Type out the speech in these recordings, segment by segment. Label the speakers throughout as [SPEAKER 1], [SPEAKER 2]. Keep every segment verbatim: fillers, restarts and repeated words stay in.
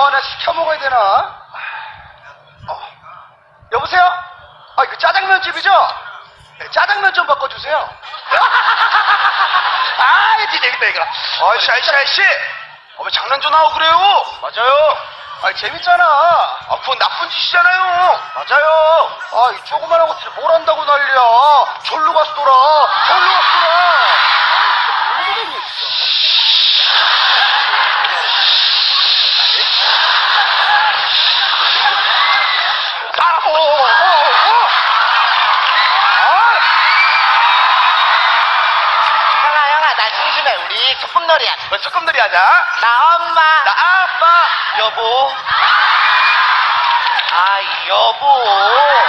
[SPEAKER 1] 뭐 하나 시켜 먹어야 되나? 어. 여보세요? 아, 이거 짜장면집이죠? 네, 짜장면 좀 바꿔주세요. 아, 이거 재밌다, 이거.
[SPEAKER 2] 아이씨, 아이씨, 아이씨! 어, 왜 장난 좀 하고 그래요?
[SPEAKER 1] 맞아요. 아, 재밌잖아.
[SPEAKER 2] 아, 그건 나쁜 짓이잖아요.
[SPEAKER 1] 맞아요. 아, 이 조그만한 것들이 뭘 한다고 난리야. 절로 가서 돌아. 절로 가서 돌아. 아, 진짜 뭘 그러니, 따라, 어, 어, 어, 어. 아,
[SPEAKER 3] 형아 형아 나 심심해. 우리 소꿉놀이 하자.
[SPEAKER 2] 왜 소꿉놀이 하자?
[SPEAKER 3] 나 엄마.
[SPEAKER 2] 나 아빠,
[SPEAKER 3] 여보. 아 여보.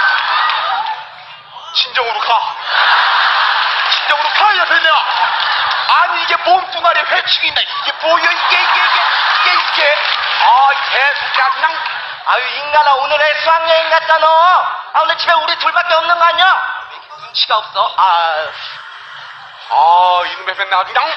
[SPEAKER 2] 진정으로 가. 진정으로 가, 옆에 내가. 아니, 이게 몸뚱아리에 회충이 있나. 이게 뭐야, 이게, 이게, 이게, 이게, 이게. 아, 개새끼야, 그냥.
[SPEAKER 3] 아유 인간아 오늘 애 수학여행 갔다 너. 아 오늘 집에 우리 둘밖에 없는 거 아니야? 눈치가 없어. 아
[SPEAKER 2] 아, 이놈의 맨날 그냥.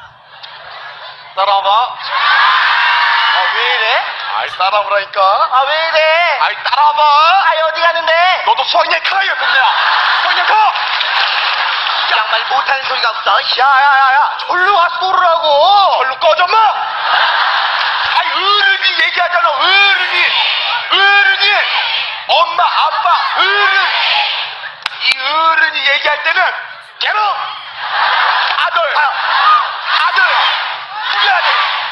[SPEAKER 2] 따라와봐.
[SPEAKER 3] 아, 왜 이래?
[SPEAKER 2] 아이, 따라오라니까.
[SPEAKER 3] 아 왜 이래?
[SPEAKER 2] 아이, 따라와봐.
[SPEAKER 3] 아 어디 가는데?
[SPEAKER 2] 너도 수학여행 가, 옆에 내가. 수학여행 가.
[SPEAKER 3] 양말 못하는 소리가 없어.
[SPEAKER 1] 야야야야, 절로 가서 돌으라고.
[SPEAKER 2] 절로 꺼져, 마. 아이, 어른이 얘기하잖아, 어른이. 어른이. 엄마, 아빠, 어른. 이 어른이 얘기할 때는 걔로 아들, 아들, 우리 아들.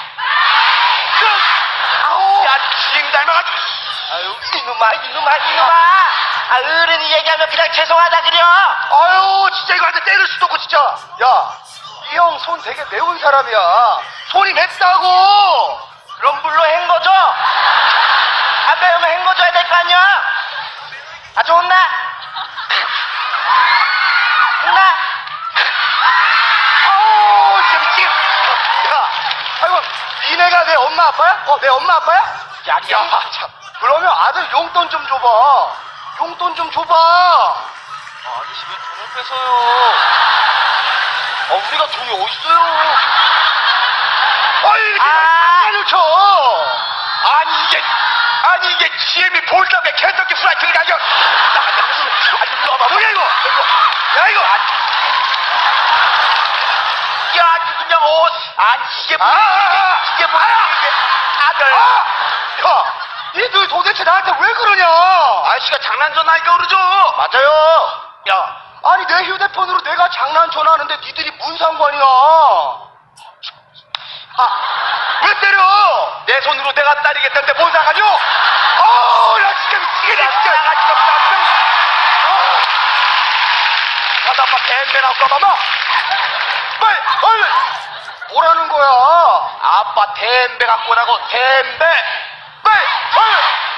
[SPEAKER 2] 그, 아우, 야, 지금 닮아가지고.
[SPEAKER 3] 아유 이놈아 이놈아 이놈아. 아 어른이 얘기하면 그냥 죄송하다 그려.
[SPEAKER 1] 아유, 진짜 이거 한테 때릴 수도 없고, 진짜. 야, 이 형 손 되게 매운 사람이야. 손이 맵다고.
[SPEAKER 3] 그럼 물로 헹궈줘. 아까 오면 헹궈줘야 될 거 아니야. 아주 혼나. 혼나.
[SPEAKER 1] 아우, 진짜 미치겠어. 야, 아이고, 니네가 내 엄마 아빠야? 어, 내 엄마 아빠야? 야, 야, 참. 그러면 아들 용돈 좀 줘봐. 용돈 좀 줘봐.
[SPEAKER 3] 아저씨 왜 돈을 뺏어요? 아 우리가 돈이 어딨어요?
[SPEAKER 1] 아이, 이렇게
[SPEAKER 3] 아.
[SPEAKER 1] 장난을 쳐.
[SPEAKER 2] 아니, 이게, 아니, 이게 지엠이 볼답에 캔터키 프라이팬이 가격. 아니, 일로 와봐. 뭐야, 이거? 이거. 야, 이거. 야, 그냥 옷. 아니, 이게 뭐야,
[SPEAKER 1] 아,
[SPEAKER 2] 이게. 이게 뭐야, 이게. 아들.
[SPEAKER 1] 아! 야, 니들 도대체 나한테 왜 그러냐?
[SPEAKER 2] 아저씨가 장난 좀 하니까 그러죠.
[SPEAKER 1] 맞아요.
[SPEAKER 2] 야,
[SPEAKER 1] 아니, 내 휴대폰으로 내가 장난 전화하는데 니들이 무슨 상관이야?
[SPEAKER 2] 아, 왜 때려? 내 손으로 내가 따리겠다는데 뭔 상관이요? 어, 나 진짜 미치겠네, 진짜. 나가지도 없다, 그냥. 어. 가다 아빠 뱀배 나올까 봐봐. 빨리, 얼른.
[SPEAKER 1] 뭐라는 거야?
[SPEAKER 2] 아빠 댐배 갖고 오라고. 댐배. 빨리, 얼른.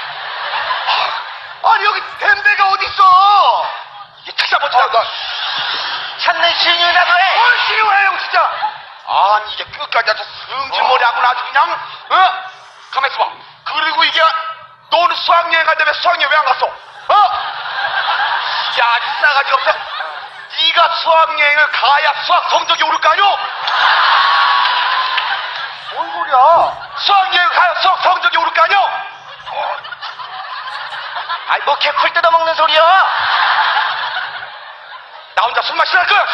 [SPEAKER 1] 아니, 여기 댐배가 어딨어?
[SPEAKER 2] 이 찾아보자.
[SPEAKER 1] 아, 나,
[SPEAKER 3] 찾는 신이라도 해.
[SPEAKER 1] 뭘 싫어해, 형, 진짜.
[SPEAKER 2] 아니, 이게 끝까지 아주 승질머리 하고 아주 그냥, 어? 가만 있어봐. 그리고 이게, 너는 수학여행 간다며 수학여행 왜 안 갔어? 어? 야, 싸가지가 없어. 네가 수학여행을 가야 수학 성적이 오를 거 아니오?
[SPEAKER 1] 뭔 소리야?
[SPEAKER 2] 수학여행 가야 수학 성적이 오를 거 아니오?
[SPEAKER 3] 아이 뭐 개풀 뜯어먹는 소리야.
[SPEAKER 2] 나 혼자 술 마시랄 걸.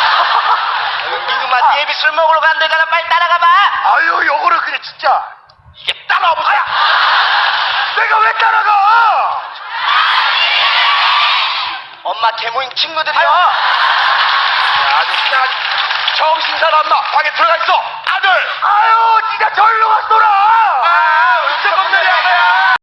[SPEAKER 3] 이놈아 예비 술 먹으러 간대잖아. 빨리 따라가봐.
[SPEAKER 1] 아유, 요거를 그래, 진짜.
[SPEAKER 2] 이게 따라와 보자.
[SPEAKER 1] 내가 왜 따라가?
[SPEAKER 3] 엄마 개모임 친구들이야.
[SPEAKER 2] 야, 아주 그냥 아주 정신 사람 마 방에 들어가 있어. 아들.
[SPEAKER 1] 아유, 진짜 절로 가서 놀아.
[SPEAKER 2] 아, 어떡없네.